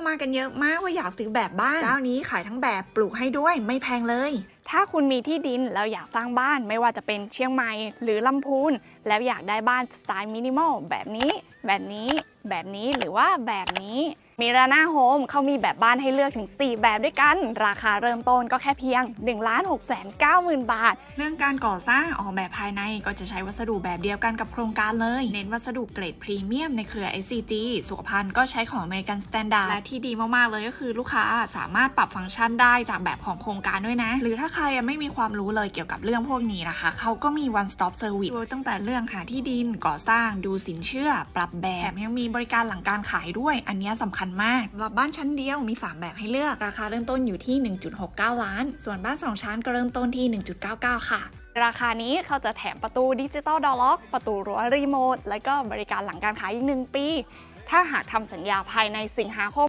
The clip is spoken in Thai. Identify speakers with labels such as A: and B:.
A: มากันเยอะมากว่าอยากซื้อแบบบ้านเจ้านี้ขายทั้งแบบปลูกให้ด้วยไม่แพงเลย
B: ถ้าคุณมีที่ดินแล้วอยากสร้างบ้านไม่ว่าจะเป็นเชียงใหม่หรือลำพูนแล้วอยากได้บ้านสไตล์มินิมอลแบบนี้หรือว่าแบบนี้มีราน่าโฮมเขามีแบบบ้านให้เลือกถึง4แบบด้วยกันราคาเริ่มต้นก็แค่เพียง 1,690,000 บาท
A: เรื่องการก่อสร้างออกแบบภายในก็จะใช้วัสดุแบบเดียวกันกับโครงการเลยเน้นวัสดุเกรดพรีเมียมในเครือ SCG สุขภัณฑ์ก็ใช้ของ American Standard และที่ดีมากๆเลยก็คือลูกค้าสามารถปรับฟังก์ชันได้จากแบบของโครงการด้วยนะหรือถ้าใครไม่มีความรู้เลยเกี่ยวกับเรื่องพวกนี้นะคะเขาก็มี one stop service ตั้งแต่เรื่องหาที่ดินก่อสร้างดูสินเชื่อปรับแบบแถมยังมีบริการหลังการขายด้วยอันนี้สำคัญมากสำหรับบ้านชั้นเดียวมี3แบบให้เลือกราคาเริ่มต้นอยู่ที่ 1.69 ล้านส่วนบ้าน2ชั้นก็เริ่มต้นที่ 1.99 ค่ะ
B: ราคานี้เขาจะแถมประตูดิจิตอลดอร์ล็อกประตูรั้วรีโมทและก็บริการหลังการขายอีก1 ปีถ้าหากทำสัญญาภายในสิงหาคม